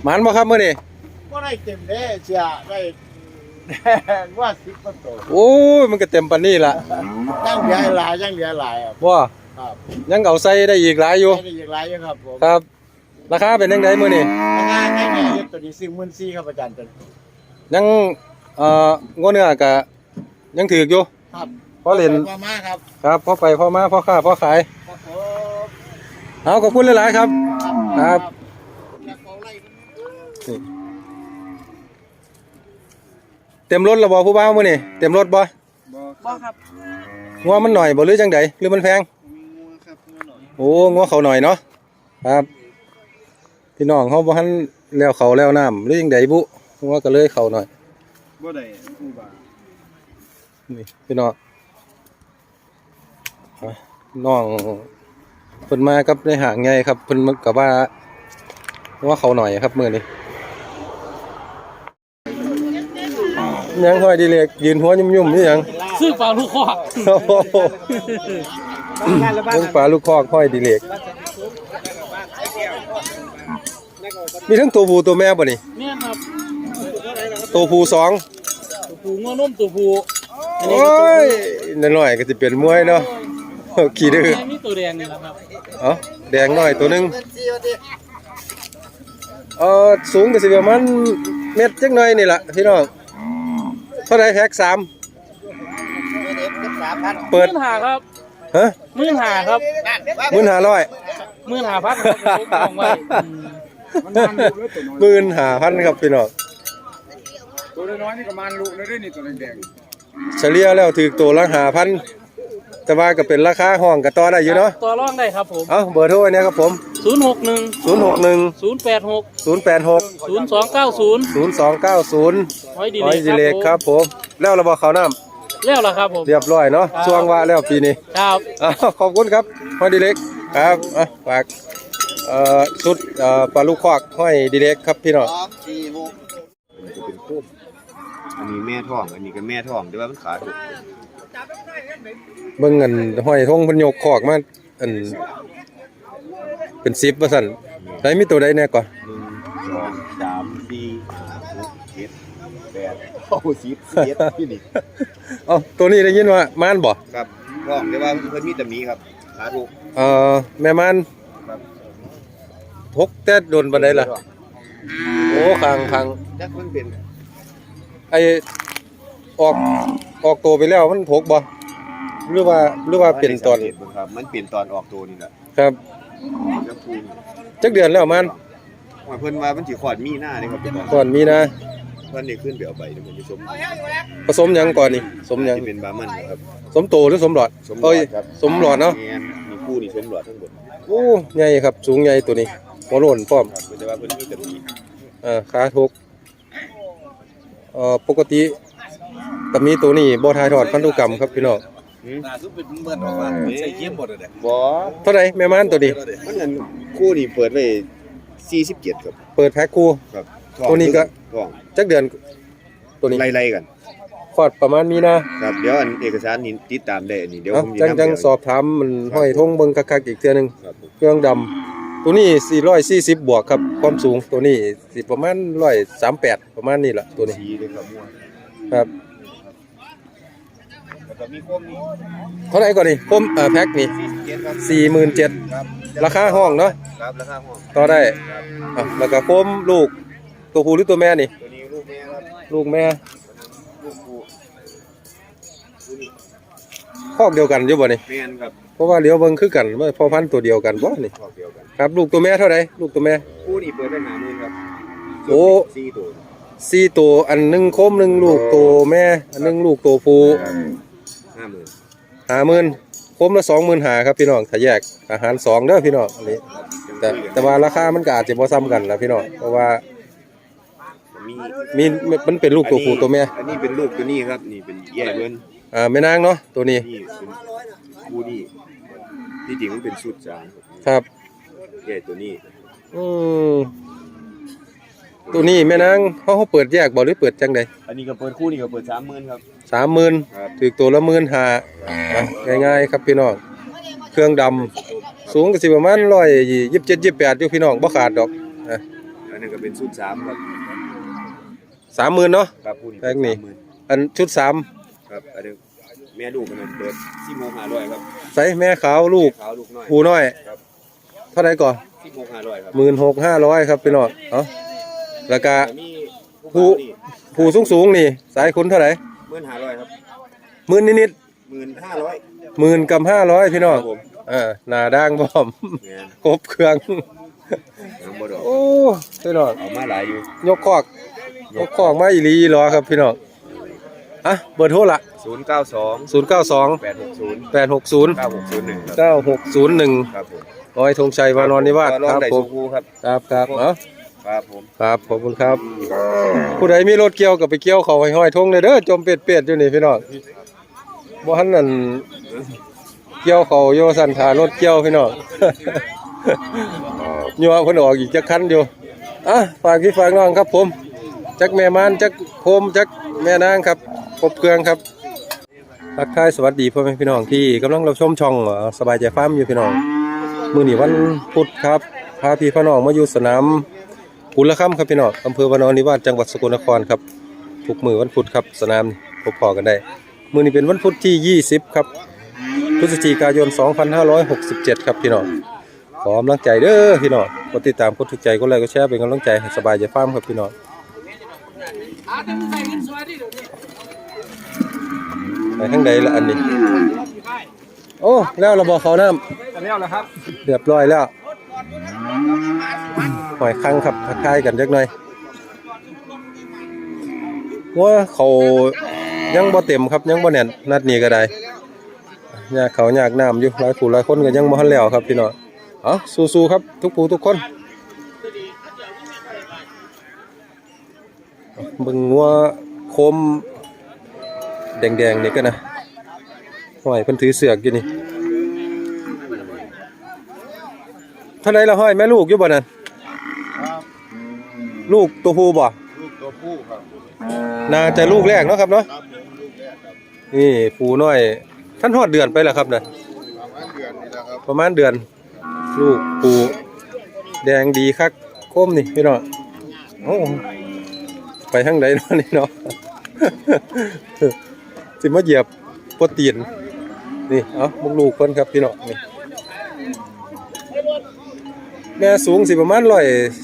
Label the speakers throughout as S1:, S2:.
S1: หมานบ่ครับมื้อนี้
S2: ก็ได้เต็มเลยเสียได้ว่า10ก็โต
S1: โอ้ยมันก็เต็มปานนี้ล่ะ
S2: ยังเหลือหลายยังเหลือหลายครับ
S1: บ่
S2: ครับ
S1: ยังเอาใส่ได้อีกหลายอยู่
S2: ได้อีกหลายอยู่ครับผม
S1: ครับ ราคาเป็นจังไดมื้อนี้
S2: ราคาแค่นี้ตัวนี้44,000ครับอาจารย์ตัว
S1: ยังงัวเนื้อก็ยังถูกอยู่
S2: ครับ
S1: พอเล่น
S2: มามาครับ
S1: ครับพอไปพอมาพอค้าพอขาย
S2: ครับผม
S1: เอาขอบคุณหลายๆครับ ครับ เต็มรถแล้วบ่ผู้บ่าวมื้อนี้เต็มรถบ่
S2: บ่ครับ
S1: งัวมันหน่อยบ่หรือจังไดหรือมันแพง
S2: งัวครับงัวหน่อย
S1: โอ้งัวเขาหน่อยเนาะครับพี่น้องเขาบ่ทันแล้วเขาแล้วน้ำหรือจังไดบุงัวก็เลยเขาหน่อย
S2: บ่ได้ผู้บ่า
S1: นี่พี่น้องน้องเพิ่นมากับในหางใหญ่ครับเพิ่นก็ว่าเขาหน่อยครับมื้อนี้ยังห้อยดีเล็กยืนหัวยุ่มๆนี่หยัง
S3: ซื้อปลาลูกคอก
S1: โอ้โหเรื่องปลาลูกคอกห้อยดีเล็กมีทั้งตัวผู้ตัวแม่บ่นี่
S3: เนี่ยครับ
S1: ตัวผู้สอง
S3: ตัวผูงอนุ่มตัวผู
S1: โอ้ยน้อยๆก็สิเป็นมวยเนาะขี้ดื้อ
S3: ไม่มีตัวแดงนี่แหละครับ
S1: เอ้าแดงน้อยตัวหนึงสูงก็สิประมาณเม็ดจักหน่อยนี่ล่ะพี่น้องเท่าไหร่แพ็ค3เปิด
S3: 15,000ครับ
S1: ฮะ
S3: 15,000ครับ
S1: 15,000
S3: 15,000ครับของไว้
S1: 15,000ครับพี่น้อง
S2: ตัวน้อยนี่ก็มันลูกเลยนี่ตัวแดง
S1: เฉลี่ยแล้วถูกตัวละ5,000แต่ว่าก็เป็นราคาห้องก็ต่อได้อยู่เนาะ
S3: ตัวร่องได้ครับผม
S1: เอ้าเบอร์โทรอันนี้ครับผม
S3: 061
S1: 061
S3: 086
S1: 086
S3: 0290
S1: 0290
S3: หอยดี
S1: หอยสิเล็กครับผมแล้วเราบอกเขาวน้ำ
S3: แล้วล่ะครับผม
S1: เรียบร้อยเนาะช่วงว่าแล้วปีนี้
S3: ครับ
S1: ขอบคุณครับหอยดีเล็กครับฝากชุดปลาลูกคอกหอยดีเล็กครับพี่น้อง
S2: 2 4 6
S4: มันจะเป็นคู่อันนี้แม่ท้อง อันนี้ก็แม่ท้องแต่ว่ามันขาดถูก
S1: เบิ่งเงินหอยทงเพิ่นยกคอกมาอันเป็น10ว่าซั่นได้มีตัวใดแน่ก่อน
S4: 1 2 3 4 5 6 7 8 9 10 11ที่นี่
S1: ตัวนี้ได้ยินว่าม่านบ่
S4: ครับท้องแต่ว่าเพิ่นมีตำหนิครับขาถูก
S1: แม่ม่าน
S4: ครับ
S1: ทกแต่โดนปานใดล่ะโอ้คาง
S4: จักเพิ่นเป็น
S1: ไอออกตัวไปแล้วมันทกบ่หรือว่าเป็นตอน
S4: สังกบิ่งครับ มันเปลี่ยนตอนออกตัวนี่แหละ
S1: ครับ
S4: จักคูณ
S1: จักเดือนแล้วมัน
S4: ว่าเพิ่นว่ามันสิขอดมีหน้านี่ครับ
S1: ก่อนมีนะ
S4: เพิ่นนี่ขึ้นไปเอาไปเดี๋ยวมันจะสม
S1: ผสมหยังก่อนนี่สมหยัง
S4: ที่เป็นบามันครับ
S1: สมโตหรือสมหลอด
S4: สมหลอด
S1: เอ้ย
S4: ครับ
S1: สมหลอดเนาะ
S4: แม่นมีคู่นี่สมหลอดทั้งหมด
S1: โอ้ใหญ่ครับสูงใหญ่ตัวนี้หัวโล้นพร้อม
S4: ครับแต่ว่าเพิ่นมีตำหนิ
S1: ขาทกปกติก็มีตัวนี้บ่ถ่ายทอดพันธุกรรมครับพี่น้อง
S4: น่าสุดเป็นเหมือนออกมาใส่เยี่ยมหมดเลยบ่
S1: เท่าไหร่แม่ม่านตัวนี้
S4: มันนั่นคู่นี่เปิดไว้47ครับ
S1: เปิดแพ็คคู่
S4: ครับ
S1: ตัวนี้ก็
S4: ท้อง
S1: จักเดือนตัวนี้
S4: ไล่ๆกัน
S1: คลอดประมาณมีนา
S4: ครับเดี๋ยวอันเอกสารนี่ติดตามได้อันนี้เดี๋ยว
S1: เอ้า
S4: ผม
S1: จังสอบถามมันห้อยทงเบิ่งคักๆอีกเทื่อนึง
S4: ครับผม
S1: เครื่องดำตัวนี้440บวกครับความสูงตัวนี้สิประมาณ138ประมาณนี้ล่ะตัวนี้
S4: ชี้เลยครับม่วง
S1: ครับ
S4: แล้วก็มีโคมนี่
S1: เท่าไหร่ก่อนนี่คมแพ็คนี่
S4: 47ครับ
S1: 47,000
S4: ครับ
S1: ราคาห้องเนาะ
S4: ครับราคาห้อง
S1: ต่อได้แล้วก็โคมลูกตัวผู้หรือตัวแม่นี่
S4: ตัวนี้ลูกแม่ครับ
S1: ลูกแม่
S4: ลูกผู้
S1: คอกเดียวกันอยู่บ่นี่
S4: แม่นครับ
S1: เพราะว่าเลี้ยวเบิ่งคือกันว่าพ่อพันธุ์ตัวเดียวกันบ่นี่
S4: ครอบเดียวกัน
S1: ครับลูกตัวแม่เท่าไหร่ลูกตัวแม่
S4: คู่นี่เปิดได้50,000ครับ
S1: โอ้
S4: 4ตัว
S1: 4ตัวอันหนึงโคมหนึงลูกตัวแม่อันหนึงลูกตัวผู้
S4: 50,000
S1: 50,000โคมละ25,000ครับพี่น้องถ้าแยกอาหาร2เด้อพี่น้องอันนี้ แต่ว่าราคามันก็อาจจะบ่ซ้ำกันล่ะพี่น้องเพราะว่า
S4: มี
S1: มันเป็นลูกตัวผู้ตัวแม่
S4: อันนี้เป็นลูกตัวนี้ครับนี่เป็นแย่เบิ้น
S1: แม่นางเนาะตัวนี้
S4: นี่เป็นคู่นี่ที่จริงมันเป็นชุดจาน
S1: ครับ
S4: แย่ตัวนี้
S1: อืมตัวนี้แม่นางเขาเปิดแยกบ่หรือเปิดจังใด
S4: อันนี้ก็เปิดคู่นี่ก็เปิด30,000ครับ
S1: 30,000
S4: ครับ
S1: ถูกตัวละ15,000ง่ายๆครับพี่น้องเครื่องดำสูงก็สิประมาณ127 28อยู่พี่น้องบ่ขาดดอก
S4: อันนี้ก็เป็นชุด3ครับ
S1: 30,000เนาะ
S4: ครับผู้นี้
S1: แพ็คนี่
S4: 30,000
S1: อันชุด3
S4: ครับอันนี้แม่ลูกมันเปิด16,500ครับ
S1: ใส่แม่ขาวลูก
S4: ขาวลูกน้อย
S1: ผูน้อย
S4: ครับ
S1: เท่าไหร่ก่อน
S4: 16,500ครับ
S1: 16,500ครับพี่น้องเอ้าแล้วก็
S4: มี
S1: ผู้ ผูสูงๆนี่สายคุณเท่าไหร่
S4: 15,500ครับ
S1: 10,000นิด
S4: 15,500
S1: 10,000กับ500พี่น้อง
S4: ครับผม
S1: หน้าด่างพร้อม
S4: แม่น
S1: ครบเครื่อง
S4: ยังบ่ดอก
S1: โอ้พี่น้อง
S4: เอามาหลายอยู่
S1: ยกคอกมาอีหลีอีหลอครับพี่น้องอ่ะเบอร์โทรละ
S4: 092
S1: 092
S4: 860
S1: 860
S4: 9601ครับ
S1: 9601
S4: ครับผม
S1: ร้อยธงชัยวานอนนิวาส
S4: ลอ
S1: ค
S4: ง
S1: รับ
S4: ได้
S1: ผ
S4: สุ
S1: ม
S4: ภูครับ
S1: ครับเอ้า
S4: ครับผม
S1: ครับขอบคุณครับ ผู้ใดมีรถเกี่ยวกับไปเกี่ยวเขาห้อยๆทงเลยเด้อจมเป็ดๆอยู่นี่พี่น้องบ่ทันนั่นเกี่ยวเขาโยสันถารถเกี่ยวพี่น้อง ยัวเพิ่นออกอีกจักคันอยู่อ่ะฝากพี่ฝากน้องครับผมจักแม่มานจักโคมจักแม่นางครับครบเครื่องครับทักทายสวัสดีพ่อแม่พี่น้องที่กำลังรับชมช่องสบายใจฟาร์มอยู่พี่น้องมื้อนี้วันพุธครับพาพี่พี่น้องมาอยู่สนามกุลค่ำครับพี่น้องอำเภอวานอนนิวาสจังหวัดสกลนครครับทุกมื้อวันพุธครับสนามพบพอกันได้มื้อนี้เป็นวันพุธที่20ครับพฤศจิกายน2567ครับพี่น้องขอกำลังใจเด้อพี่น้องกดติดตามกดถูกใจกดไลค์กดแชร์เป็นกำลังใจให้สบายใจฟาร์มครับพี่น้องไปทางใดละอันนี้โอ้แล้วเราบอกเขาน้ำ
S3: กันแล้วเหรอครับ
S1: เรียบร้อยแล้วหอยคังครับทักทายกันจักหน่อยว่าเขายังบ่เต็มครับยังบ่แน่นนัดนี้ก็ได้ยากเขายากน้ำอยู่หลายผู้หลายคนก็ยังบ่ทันแล้วครับพี่น้องเอาสู้ๆครับทุกผู้ทุกคนเบิ่งงัวโคมแดงๆนี่ก็นะห้อยเพิ่นถือเสือกอยู่นี่เท่าไหร่ละห้อยแม่ลูกอยู่บ่นั่น
S2: ครับ
S1: ลูกตัวผู้บ่
S2: ลูกตัวผู้ครับ
S1: น่าจะลูกแรกเนาะครับเนาะ
S2: ครับผมลูกแรกครับ
S1: นี่ผู้น้อยท่านฮอดเดือนไปแล้วครับน่ะ
S2: ประมาณเดือนนี่แหละครับ
S1: ประมาณเดือนลูกผู้แดงดีคักโคมนี่พี่น้องโอ้ไปทางใดเนาะนี่เนาะ สิมาเหยียบโปรตีนนี่เอ้าพวกลูกเพิ่นครับพี่น้องนี่แม่สูงสิประมาณ135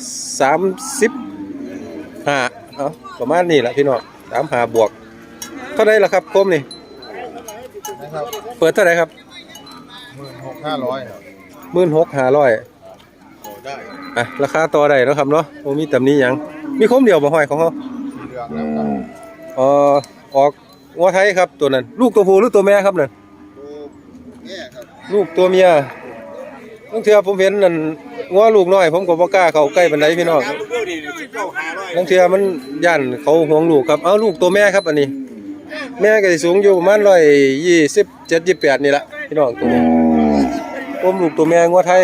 S1: เอ้าประมาณนี้แหละพี่น้อง35บวกเท่าไหร่ล่ะครับโคมนี่
S2: นะครับ
S1: เปิดเท่าไหร่ครับ
S2: 16,500ครับ
S1: 16,500
S2: โอ้ได้
S1: อ่ะราคาต่อได้เนาะครับเนาะบ่มีตำหนิหยังมีโคมเดียวบ่ห้อยของเฮา
S2: สีเหลืองนะครับ
S1: ออกงัวไทยครับตัวนั้นลูกตัวผู้หรือตัวแม่ครับนั่น
S2: ตัวแย่ครับ
S1: ลูกตัวเมียบางเทื่อผมเห็นนั่นงัวลูกน้อยผมก็บ่กล้าเข้าใกล้ปานใดพี่น้องบางเทื่อมันย่านเขาห่วงลูกครับเอาลูกตัวแม่ครับอันนี้ แม่ก็สิสูงอยู่ประมาณ127 28นี่ล่ะพี่น้องตัวนี้โคมลูกตัวแม่งัวไทย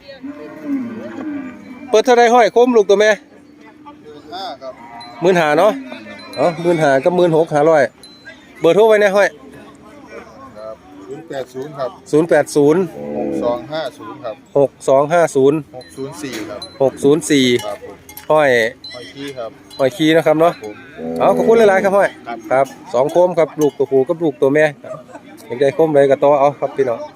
S1: เปิดเท่าใดห้อยโคมลูกตัวแม่
S2: 15ครับ
S1: 15,000เนาะ15,000กับ16,500เบอร์โทรไว้ในห้อย
S2: ครับ080ครับ
S1: 080
S2: 6250ครับ
S1: 6250
S2: 604ครับ
S1: 604
S2: ครับผม
S1: ห้อย
S2: หอยขี้ครับ
S1: ห้อยคีนะครับเนาะ
S2: ผม
S1: เอาขอบคุณหลายๆครับห้อยครับ2โคมครับลูกตัวผู้กับลูกตัวแม่อยากได้โคมใดก็ต่อเอาครับพี่น้อง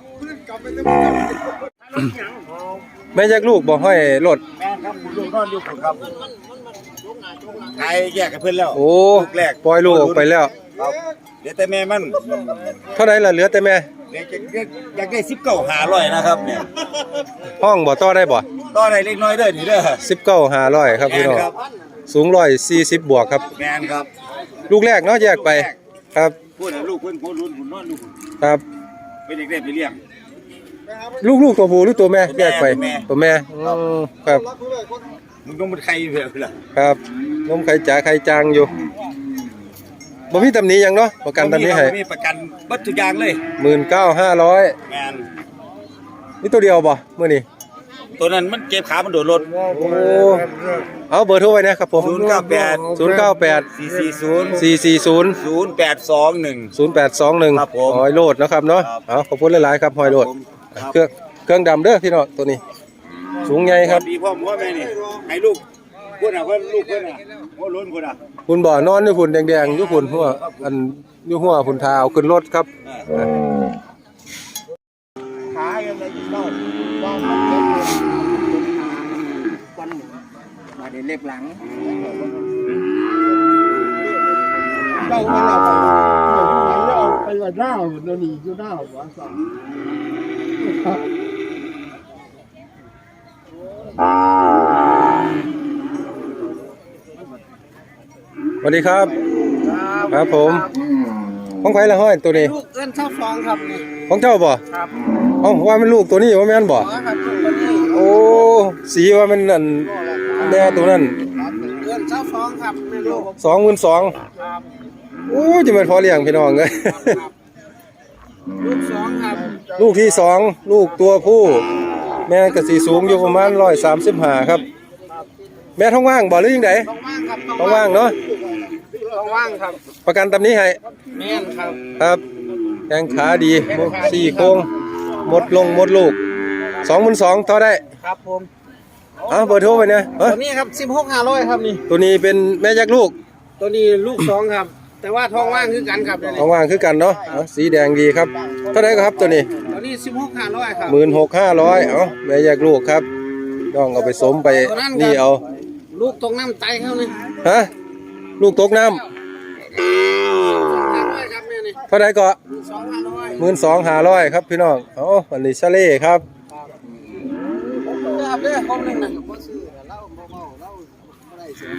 S1: แม่แยกลูกบ่ห้อยรถ
S2: แม่ครับคุณลูกนอนอยู่ผมครับใครแยกกับเพื่อนแล้ว
S1: โอ้
S2: ลูกแรก
S1: ปล่อยลูกออกไปแล้ว
S2: ครับเดี๋ยวแต่แม่มัน
S1: เท่าไหร่ล่ะเหลือแต่แม่
S2: เดี๋ยวอยากได้19,500นะครับเนี่ย
S1: ห้องบ่ต่อได้บ่
S2: ต่อได้เล็กน้อยเด้อนี่เด้อ
S1: 19,500ครับพี่น้อง
S2: ครับ
S1: สูง140บวกครับ
S2: แมนครับ
S1: ลูกแรกเนาะแยกไปครับ
S2: พูดถึงลูกเพิ่นคนรุ่นผมนอนลูก
S1: ครับ
S2: เป็นเด็กเล่นไปเลี้ยง
S1: ลูกตัวผู้หรือตัวแม่แยกไป
S2: ตัวแม่
S1: ตัวแม่ครับ
S2: มึงต้องเป็นใครเพื่อนล่ะ
S1: ครับนมไข่จ๋าไข่จางอยู่บ่มีตำหนิหยังเนาะประกันตำหนิให้
S2: มีประกันเบัตรทุกอย่างเลย
S1: 19,500
S2: แมน
S1: มีตัวเดียวบ่มื้อนี้
S2: ตัวนั้นมันเก็บขามันโดดรถ
S1: โอ้เอาเบอร์โทรไว้นะครับผม
S2: 098
S1: 440
S2: 0821
S1: 0821
S2: ครับผม
S1: หอยโลดนะครับเนาะ
S2: ครับ
S1: เอาขอบคุณหลายๆครับหอยโลด
S2: ครับ
S1: เครื่องดำเด้อพี่น้องตัวนี้ สูงใหญ่ครับ
S2: ดีพ่อหมอแม่นี่ให้ลูก
S4: คนอ่ะเพิ่นลูกเพิ่นอ่ะหัวล้นคนอ่ะ
S1: คุณบ่อนอนอยู่ฝุ่นแดงๆอยู่ฝุ่นหัวอันอยู่หัวฝุ่นเท้าขึ้นรถครับ
S2: ขายังไงเล่าว่ามันเล็กเลยวันมาเดี๋ยวเล็บหลังเล่าไปแล้วเอาไปว่าหน้าเดี๋ยวนี้อยู่หน้าหัวสั่ง
S1: สวัสดีครับครับผมของใครละห้อยตัวนี้
S3: ลูกเอิ้นข้าวฟองครับนี่
S1: ของเจ้าบ่
S3: ครับ
S1: เอ้าว่ามันลูกตัวนี้ว่าแม่นบ่
S3: ครับลูกตัวนี้
S1: โอ้สีว่ามันนั่นแม่ตัวนั้น
S3: เอิ้นข้าวฟองครับแม่ลูก
S1: 22,000
S3: ครับ
S1: โอ้จะเป็นพอเลี้ยงพี่น้องเลย
S3: ลูกสองครับ
S1: ลูกที่2ลูกตัวผู้แม่ก็สิสูงอยู่ประมาณ135ครับแม่ท้องว่างบ่หรือยังไง
S3: ต้องว่างครับ
S1: ท้องว่างเนาะ
S3: ต้องว่างครับ
S1: ประกันตำนี้ให้
S3: แม่นครับ
S1: ครับแข้งขาดีสี่โครงหมดลูก 22,000เท่าได้
S3: ครับผม
S1: เบอร์โทรไปเนี่ย
S3: ตัวนี้ครับ16,500ครับนี่
S1: ตัวนี้เป็นแม่ยักษ์ลูก
S3: ตัวนี้ลูกสองครับ แต่ว่าท้องว่างคือกันครับเดี๋ยวนี้
S1: ท้องว่างคือกันเนาะสีแดงดีครับเท่าไหร่ครับตัวนี้
S3: ตัวนี้16,500ครับ
S1: 16,500แม่ยักษ์ลูกครับต้องเอาไปสมไปนี่เอา
S3: ลูกตรงน้ำไตเขานี่
S1: ฮะลูกตกน้ำ
S3: 500ครับแม่นี่
S1: เท่าไหร่ก็
S3: 2,500
S1: 12,500ครับพี่น้องอันนี้ชาเล่ครับ
S3: ครับเด้อคนหนึงน่ะบ่ซื้อแล้วเมาแล้วบ่ได้เสี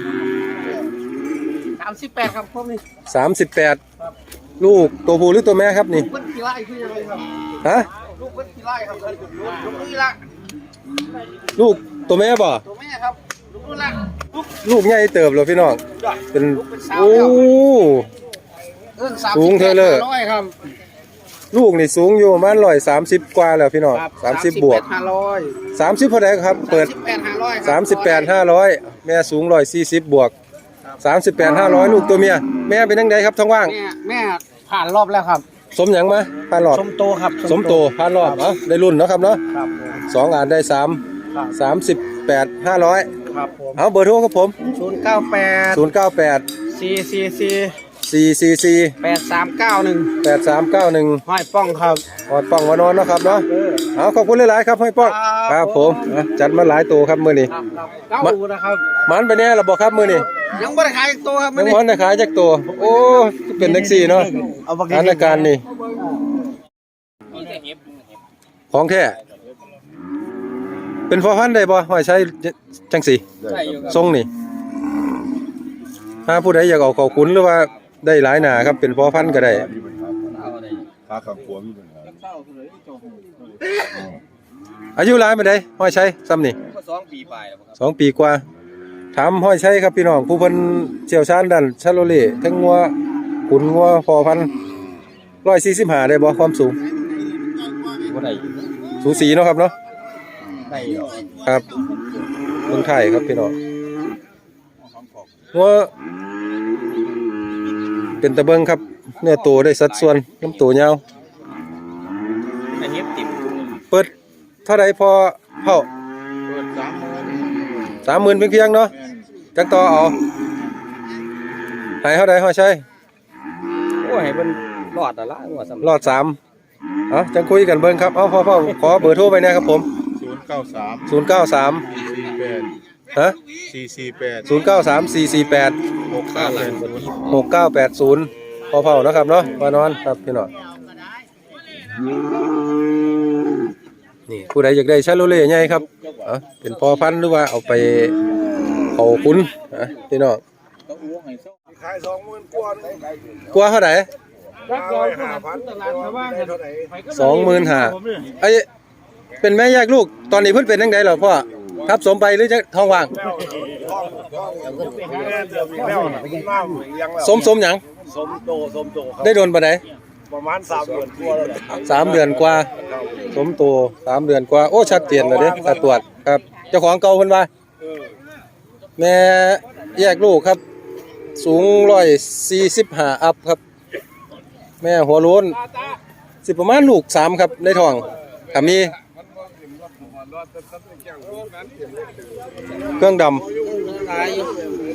S3: ย38ครับผมนี่
S1: 38ลูกตัวผู้หรือตัวแม่ครับนี่
S3: เพิ่นขี้ไล่คือยังไงครับ
S1: ฮะ
S3: ลูกเพิ่นขี้ไล่ครับลูกนี่ละ
S1: ลูกตัวแม่บ่
S3: ตัวแม่ครับลูกนี่ละลูก
S1: ลูกใหญ่เติบเลยพี่น้องเป็น
S3: สาว
S1: โอ้
S3: แล้ว เอิ้น
S1: สูงเธอเลย
S3: 500ครับ
S1: ลูกนี่สูงอยู่ประมาณ130กว่าแล้วพี่น้อง30บวก
S3: 500
S1: 30เท่าไหร่ครับเปิด
S3: 38,500
S1: แม่สูง140บวก38,500ลูกตัวเมียแม่เป็นจังไดครับท้องว่าง
S3: แม่ผ่านรอบแล้วครับ
S1: สมหยังมาผ่านรอบ
S3: สมโตครับ
S1: สมโตผ่านรอบได้รุ่นเนาะครับเนาะ
S3: ครับผม
S1: 2อ่านได้3
S3: ครับ
S1: 38,500
S3: ครับผม
S1: เอาเบอร์โทรครับผม
S3: 098
S1: 098
S3: 444
S1: 444
S3: 8391
S1: 8391
S3: ห้อยป้องครับ
S1: หอดป้องมานอนเนาะครับเนาะเอาขอบคุณหลายๆครับห้อยป้อง
S3: ครับ
S1: ครับผมจัดมาหลายตัวครับมื้อนี้
S3: ครับเก้านะครับ
S1: มันไปแน่ระบบครับมื้อนี้
S3: ยังบ่ได้ขายอีกตัวครับ
S1: ยังมันได้ขายจักตัวโอ้เป็นแท็กซี่เนาะสถานการณ์นี่ของแท้เป็นพอพันธุ์ได้บ่ห้อยใช้จังสี
S3: ใช่อยู่ครับ
S1: ทรงนี่ถ้าผู้ใดอยากเอาเข้าขุนหรือว่าได้หลายหนาครับเป็นพอพันธุ์ก็ได้
S4: ขาขังขวมีปัญหา
S1: อายุหลายปานใดห้อยใช้ซ้ำนี่
S3: 2 ปีไปแล้วครับ
S1: 2 ปีกว่าถามห้อยใช้ครับพี่น้องผู้เพิ่นเชี่ยวชาญด้านชาโลเล่ทั้งงัวขุนงัวพอพันธุ์145ได้บ่ความสูง
S3: บ่ได้
S1: สูสีเนาะครับเนาะ
S3: ได้
S1: ครับเมืองไทยครับพี่น้องงัวเป็นตะเบิงครับเนื้อโตได้สัดส่วนลำตัวยาว
S3: อันนี้ติด
S1: เปิดเท่าไรพอเท่า
S2: เปิด
S1: 30,000
S2: 30,000
S1: เพียงๆเนาะจังต่อเอาให้เท่าไรห้อยใช้
S3: โอ้ให้เพิ่นรอดละว่าสำ
S1: รอด3จังคุยกันเบิ่งครับเอาพ่อขอเบอร์โทรไปนะครับผม
S2: 093
S1: 093 ฮะ
S2: 448
S1: 093 448 6980พอเผานะครับเนาะมานอนครับพี่น้องนี่ผู้ใดอยากได้ชาโลเล่ใหญ่ครับเป็นพอพันธุ์หรือว่าเอาไปเขาคุ้นพี่น้อง
S2: ขาย20,000กว่าได้
S1: กลัวเท่าไหร่
S2: 5,000ตลาดชาวบ้านเท่าไหร่
S1: 25,000ไอ้เป็นแม่แยกลูกตอนนี้เพิ่นเป็นจังได๋เหรอพ่อทับสมไปหรือจะท้องว่างสมหยัง
S2: สมโตครับ
S1: ได้โดนปานใด
S2: ประมาณ3 เดือนกว่าแล้วแหละ
S1: 3 เดือนกว่าสมโต3 เดือนกว่าโอ้ชัดเจนเลยเด้ถ้าตรวจครับเจ้าของเก่าเพิ่นว่าแม่แยกลูกครับสูง145อัพครับแม่หัวโล้นสิประมาณลูก3ครับในท้องถ้ามีเครื่องดำ
S3: ายอยู่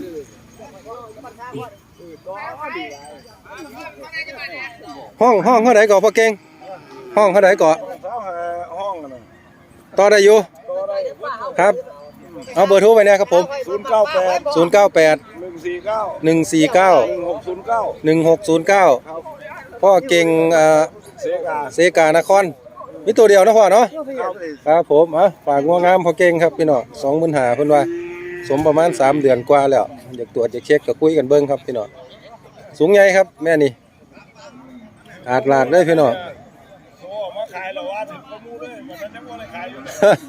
S1: ห้องเท่าไหร่ก่อพ่อเก่งห้องเท่าไหร่ก่อ
S2: ห้องนะ
S1: ต่อได้อยู่ครับเอาเบอร์โทรไปนะครับผม
S2: 098
S1: 098
S2: 149
S1: 149
S2: 1609
S1: 1609พ่อเก่ง
S2: เสกา
S1: เซกานครมีตัวเดียวนะพ่อเนาะครับผมฝากงัวงามพ่อเก่งครับพี่น้อง25,000เพิ่นว่าสมประมาณ3 เดือนกว่าแล้วอยากตรวจอยากเช็คก็คุยกันเบิ่งครับพี่น้องสูงใหญ่ครับแม่นี่อาดลาดเลยพี่น้อง
S2: มาขายแล้วว่าถึงประมูลเลยมันยังบ่ได้ขายอยู่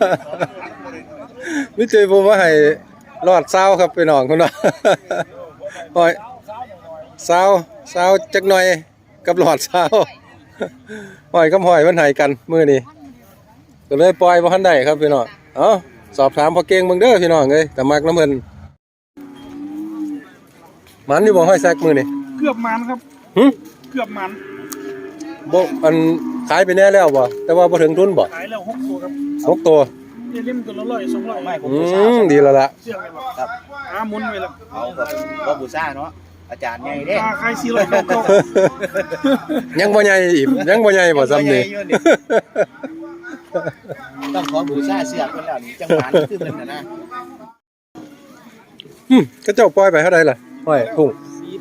S1: มิเจผมว่าให้รอดเศร้าครับพี่น้องคุณว่าหอยเศร้าจักหน่อยกับหลอดเศร้าหอยกับหอยมันหายกันมื้อนี้ก็เลยปล่อยบ่ทันได้ครับพี่น้องสอบถามพอเก่งเบิ่งเด้อพี่น้องเอ้ยแต่มักน้ำเพิ่นมันอยู่บ่ห้อยแซกมื้อนี้
S2: เกือบมันครับ
S1: หึ
S2: เกือบมัน
S1: บ่อันขายไปแน่แล้วบ่แต่ว่าบ่ถึงทุนบ่
S2: ขายแล้ว6ตัวครับ
S1: 6ตัว
S2: เล่มตัวละ100 200ไม่ผม
S1: ดีแล้วล่ะ
S2: เชื่อไงบ่ครับหมุนไว้แล้ว
S3: เอาก็บูซ่าเนาะอาจารย์ใหญ่เด้
S2: ขาย400เก่า
S1: ยังบ่ใหญ่อีกยังบ่ใหญ่บ่ซ้ำนี่
S3: ต้องขอบูซ่าเสือกเพิ่นแล้วนี่จังหวะนี่คือเพิ่นน่ะนะ
S1: ก็เจ้าปล่อยไปเท่าไหร่ล่ะห้อยพุ่ง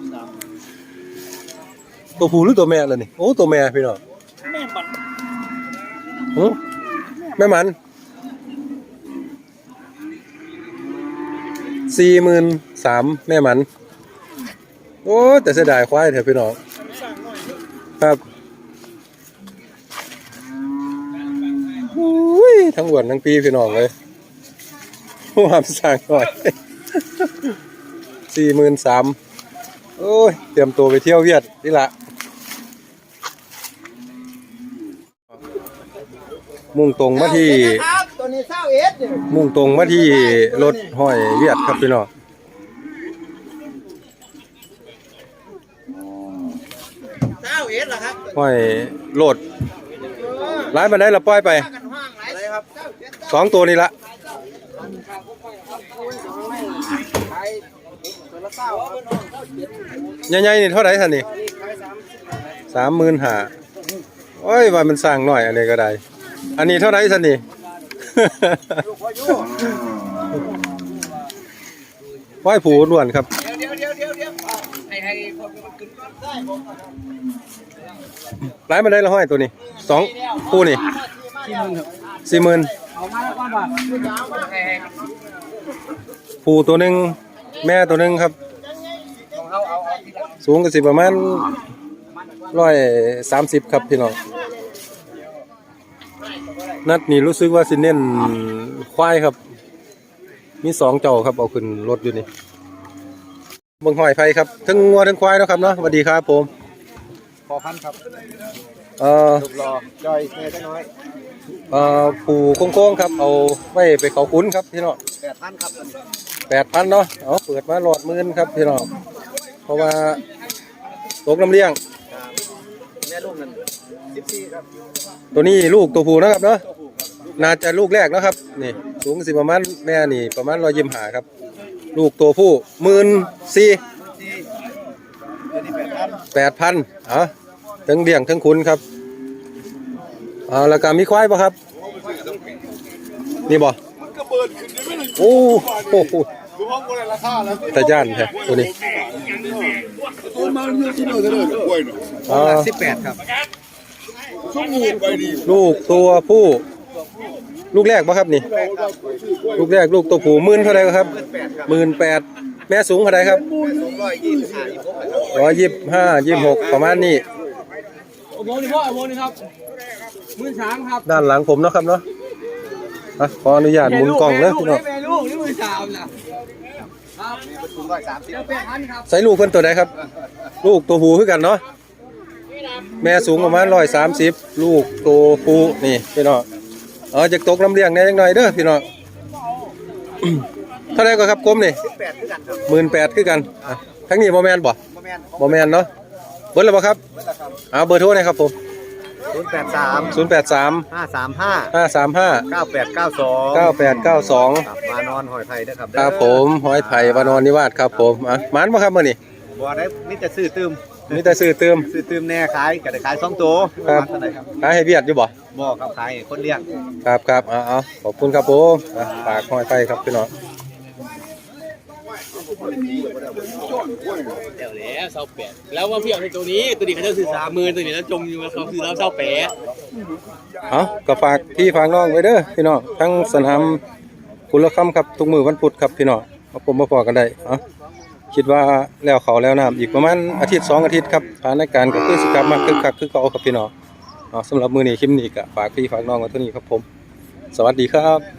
S1: ตัวผู้หรือตัวแม่ล่ะนี่โอ้ตัวแม่พี่น้อง
S2: แม่บัด
S1: แม่มัน43,000แม่มัน โอ้แต่เสียดายควายเถอะพี่น้องครับอุ้ยทั้งวันทั้งปีพี่น้องเลยความสั่งหน่อย43,000โอ้ยเตรียมตัวไปเที่ยวเวียดนี่ละมุ่งตรงมาที่
S3: ตัวนี้21
S1: มุ่งตรงมาที่รถห้อยเวียดครับพี่น้อง
S3: 21ล่ะครับ
S1: ห้อยโหลดร้ายมาได้ละปล่อยไป
S3: อะไรครับ
S1: 2 ตัวนี่ละใหญ่ๆนี่เท่าไหร่ท่านนี่35,000โอ้ยว่ามันสร้างหน่อยอันนี้ก็ได้อันนี้เท่าไหร่ท่านนี่ ห้อยผูล้วนครับ
S3: เดี๋ยวให้คนมันขึ้นก่อนได้ผม
S1: ร้ายมาได้ละห้อยตัวนี้2คู่นี่40,000
S3: เอามาก่อนบ่ให้
S1: ผูตัวหนึงแม่ตัวหนึงครับสูงก็สิประมาณ130ครับพี่น้องนัดนี้รู้สึกว่าสิเน้นควายครับมี2เจ้าครับเอาขึ้นรถอยู่นี่เบิ่งห้อยไผครับทั้งงัวทั้งควายเนาะครับเนาะสวัสดีครับผม
S2: พอพันครับ
S1: รูปรอจอยแม่จักน้อยผูโค้งๆครับเอาไว้ไปเขาคุ้นครับพี่น้อง
S3: 8,000ครับ
S1: 8,000เนาะเอาเปิดมาหลอดหมื่นครับพี่น้องเพราะว่าตกน้ำเลี้ยง
S3: แม่ลูกนั่น14ครับ
S1: ตัวนี้ลูกตัวผู้นะครับเนาะน่าจะลูกแรกนะครับนี่สูงสิประมาณแม่นี่ประมาณ125ครับลูกตัวผู้14,000 8,000ทั้งเลี้ยงทั้งคุณครับแล้วก็มีควายป่ะครับนี่บ่โอ้โหตะย่านแท้ตัวนี้
S3: 18ครับ
S1: ลูกตัวผู้ลูกแรกป่ะครับนี่ลูกแรกลูกตัวผู้10,000เท่าไหร่ครับ18,000แม่สูงเท่าไหร่ครับ125-26ประมาณนี้
S3: โมนี่พ่อโมนี่ครับ13,000ครับ
S1: ด้านหลังผมเนาะครับเนาะขออนุญาตหมุนกล้องเลยพี่น้อง
S3: แม่ลูกนี่13,000น่ะครับสูง130 8,000ครับ
S1: ใส่ลูกเพิ่นตัวใดครับลูกตัวผู้คือกันเนาะแม่สูงประมาณ130ลูกตัวผู้นี่พี่น้องจะตกน้ำเลี้ยงแน่จังหน่อยเด้อพี่น้อง เท่าไหร่ก็ครับกลมนี่18,000คือกันทั้งนี้บ่แม่นบ่บ่แม่นเนาะเบิดแล้วบ่ครับเบอร์โทรหน่อยครับผม
S2: 083
S1: 083
S2: 535
S1: 535
S2: 9892
S1: 9892
S2: ครับมานอนหอยไทยนะครับ
S1: ครับผมหอยไผ่วานอนนิวาสครับผมหมานบ่ครับมื้อนี้
S2: บ่ได้มีแต่ซื้อตืม
S1: มีแต่ซื้อเติม
S2: ซื้อตืมแน่ขายก็ได้ขาย2ตัว
S1: ครับ
S2: เท่าไหร่ครับ
S1: ขายให้เวียดอยู่บ่
S2: บ่ครับขายให้คนเลี้ยง
S1: ครับครับเอาขอบคุณครับผมฝากหอยไผ่ครับพี่น้อง
S3: เดี๋ยวแล้วเศร้าแปดแล้วว่าพี่เอาในตัวนี้ตัวนี้เขาจะซื้อ30,000ตัวนี้แล้วจมอยู่เขาซื้อแล้วเศร้าแปด
S1: เอาก็ฝากพี่ฝากน้องไว้เด้อพี่น้องทั้งสนามกุลคำครับทุกมือวันพุธครับพี่น้องมาผมมาพอกันได้คิดว่าแล้วเขาแล้วน้ำอีกประมาณอาทิตย์2อาทิตย์ครับสถานการณ์ก็คือสิกลับมาคึกคักคือเก่าครับพี่น้องสำหรับมือนี้คลิปนี้ก็ฝากพี่ฝากน้องไว้เท่านี้ครับผมสวัสดีครับ